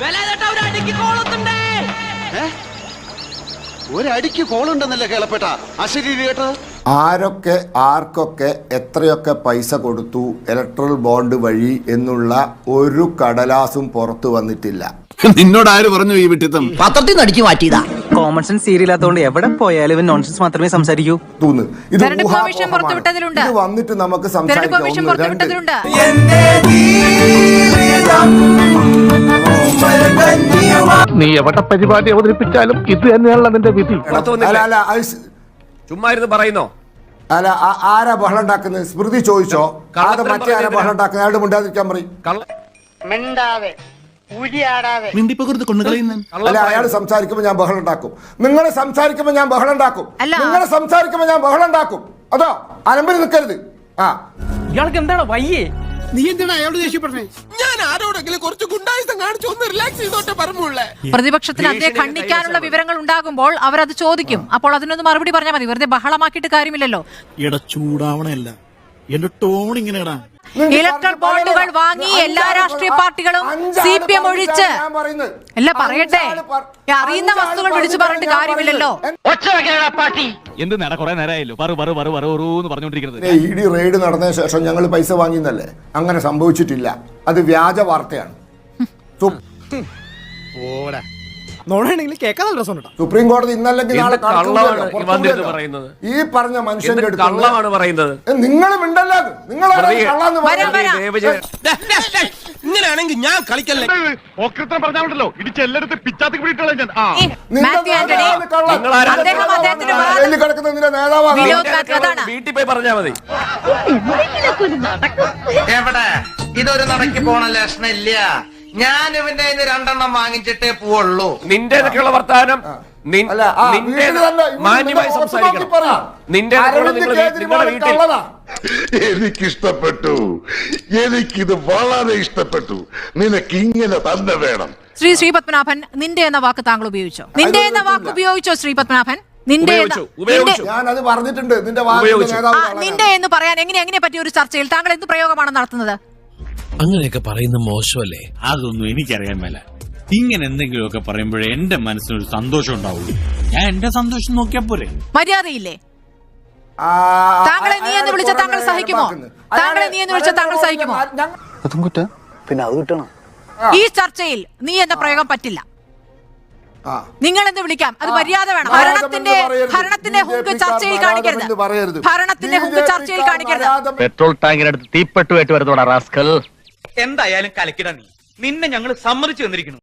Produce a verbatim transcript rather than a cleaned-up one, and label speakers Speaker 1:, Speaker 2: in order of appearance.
Speaker 1: ഒരടിക്ക് കോളുണ്ടെന്നല്ലേ കേളപ്പെട്ട അശരീരി കേട്ടത്.
Speaker 2: ആരൊക്കെ ആർക്കൊക്കെ എത്രയൊക്കെ പൈസ കൊടുത്തു ഇലക്ട്രൽ ബോണ്ട് വഴി എന്നുള്ള ഒരു കടലാസും പുറത്തു വന്നിട്ടില്ല.
Speaker 3: നിന്നോട് ആര് പറഞ്ഞു ഈ വിട്ടിത്തം?
Speaker 4: പത്രത്തിൽ നിന്ന് അടിച്ചു മാറ്റിയതാ.
Speaker 5: കോമൺ സെൻസ് സീരിയലാത്തോണ്ട് എവിടെ പോയാലും ഇവൻ നോൺസെൻസ് മാത്രമേ സംസാരിക്കൂ.
Speaker 2: ഇത് വന്നിട്ട് നമുക്ക് സംസാരിക്കാം.
Speaker 6: നീ എവിടെ പരിപാടി അവതരിപ്പിച്ചാലും ഇത് തന്നെയാണല്ലോ നിന്റെ വിധി.
Speaker 7: ചുമ്മാ ഇരുന്ന് പറയുന്നോ?
Speaker 2: അല്ല, ആരാ ബഹളം ഉണ്ടാക്കുന്നത്? സ്മൃതി ചോദിച്ചോ? മറ്റേ ആരാ ബഹളം ഉണ്ടാക്കുന്നത്? അയാളുടെ മുണ്ടാതിരിക്കാൻ പറയും. അല്ല, അയാൾ സംസാരിക്കുമ്പോ ഞാൻ ബഹളം ഉണ്ടാക്കും. നിങ്ങൾ സംസാരിക്കുമ്പോ ഞാൻ ബഹളം ഉണ്ടാക്കും. നിങ്ങൾ സംസാരിക്കുമ്പോ ഞാൻ ബഹളം ഉണ്ടാക്കും. അതോ അലമ്പിൽ നിൽക്കരുത്. ആ,
Speaker 5: ഇയാൾക്ക് എന്താണ് വയ്യേ?
Speaker 3: നീ എന്തിനാ അയാളോട് ദേഷ്യപ്പെട്ടേ?
Speaker 7: ഞാൻ ആരോടെങ്കിലും കുറച്ച് ഗുണ്ടായുസം കാണിച്ചു ഒന്ന് റിലാക്സ് ചെയ്തോട്ടെ പറഞ്ഞുള്ളേ.
Speaker 8: പ്രതിപക്ഷത്തിന് അതിനെ ഖണ്ഡിക്കാനുള്ള വിവരങ്ങൾ ഉണ്ടാകുമ്പോൾ അവരത് ചോദിക്കും. അപ്പോൾ അതിനൊന്ന് മറുപടി പറഞ്ഞാൽ മതി. വെറുതെ ബഹളമാക്കിയിട്ട് കാര്യമില്ലല്ലോ.
Speaker 3: എടാ ചൂടാവണല്ല, എന്റെ ടോൺ ഇങ്ങനെടാ.
Speaker 8: ഇലക്ട്രൽ ബോണ്ടുകൾ വാങ്ങി എല്ലാ രാഷ്ട്രീയ പാർട്ടികളും സി പി എം ഒഴിച്ച് അല്ല പറയട്ടെ, അറിയുന്ന വസ്തുക്കൾ വിളിച്ചു പറഞ്ഞിട്ട് കാര്യമില്ലല്ലോ.
Speaker 6: എന്ത് നേടാ കുറെ നേരമായല്ലോ പറഞ്ഞോണ്ടിരിക്കുന്നത്.
Speaker 2: ഇ ഡി റെയ്ഡ് നടന്നതിന് ശേഷം ഞങ്ങൾ പൈസ വാങ്ങിയെന്നല്ലേ? അങ്ങനെ സംഭവിച്ചിട്ടില്ല. അത് വ്യാജ വാർത്തയാണ്. സുപ്രീം കോടതി ഇന്നല്ലെങ്കിൽ നാളെ ഈ പറഞ്ഞ മനുഷ്യന്റെ
Speaker 7: കള്ളമാണ് പറയുന്നത്.
Speaker 2: നിങ്ങൾ മിണ്ടല്ലോ. നിങ്ങൾ
Speaker 7: ഇങ്ങനെയാണെങ്കിൽ ഞാൻ കളിക്കല്ലേ.
Speaker 6: പറഞ്ഞാണല്ലോ ഇടിച്ച് എല്ലായിടത്തും പിച്ചാത്തി പിടിയിട്ടുള്ള ഞാൻ
Speaker 7: വീട്ടിൽ പോയി പറഞ്ഞാ മതി.
Speaker 4: എവിടെ ഇതൊരു നടക്കി പോണ ലക്ഷണില്ല. ഞാൻ ഇവന്റെ രണ്ടെണ്ണം വാങ്ങിച്ചിട്ടേ പോവുള്ളൂ.
Speaker 7: നിന്റെ ഒക്കെയുള്ള വർത്താനം മാന്യമായി സംസാരിക്കണം. നിന്റെ
Speaker 9: എനിക്കിഷ്ടപ്പെട്ടു. എനിക്കിത് വളരെ ഇഷ്ടപ്പെട്ടു. നിനക്ക് ഇങ്ങനെ തന്നെ വേണം.
Speaker 8: ശ്രീ ശ്രീ പത്മനാഭൻ, നിന്റെ എന്ന വാക്ക് താങ്കൾ ഉപയോഗിച്ചോ? നിന്റെ എന്ന വാക്ക് ഉപയോഗിച്ചോ ശ്രീ പത്മനാഭൻ? നിന്റെ
Speaker 2: ഞാനത് പറഞ്ഞിട്ടുണ്ട്.
Speaker 8: നിന്റെ എന്ന് പറയാൻ എങ്ങനെ എങ്ങനെ പറ്റിയ ഒരു ചർച്ചയിൽ താങ്കൾ എന്ത് പ്രയോഗമാണ് നടത്തുന്നത്?
Speaker 10: അങ്ങനെയൊക്കെ പറയുന്ന മോശമല്ലേ?
Speaker 11: അതൊന്നും എനിക്കറിയാൻ മേല. ഇങ്ങനെ എന്തെങ്കിലുമൊക്കെ പറയുമ്പോഴേ എന്റെ മനസ്സിനൊരു സന്തോഷം ഉണ്ടാവുള്ളൂ. ഞാൻ എന്റെ സന്തോഷം നോക്കിയാ പോരെ.
Speaker 8: മര്യാദയില്ലേ? താങ്കളെ നീ എന്ന് വിളിച്ച താങ്കൾ സഹിക്കുമോ? താങ്കളെ നീ എന്ന് വിളിച്ച താങ്കൾ സഹിക്കുമോ?
Speaker 5: പിന്നെ അത് കിട്ടണം.
Speaker 8: ഈ ചർച്ചയിൽ നീ എന്ന പ്രയോഗം പറ്റില്ല. നിങ്ങൾ എന്ന് വിളിക്കാം, അത് മര്യാദ വേണം. ഭരണത്തിന്റെ ഭരണത്തിന്റെ ഹുങ്ക് ചർച്ചയിൽ കാണിക്കരുത്. ഭരണത്തിന്റെ ഹുങ്ക് ചർച്ചയിൽ കാണിക്കരുത്.
Speaker 6: പെട്രോൾ ടാങ്കിനടുത്ത് തീപ്പെട്ടുമായിട്ട് വരുന്നോടാ റാസ്കൽ.
Speaker 5: എന്തായാലും കലക്കിട നീ. നിന്നെ ഞങ്ങൾ സമ്മതിച്ചു തന്നിരിക്കുന്നു.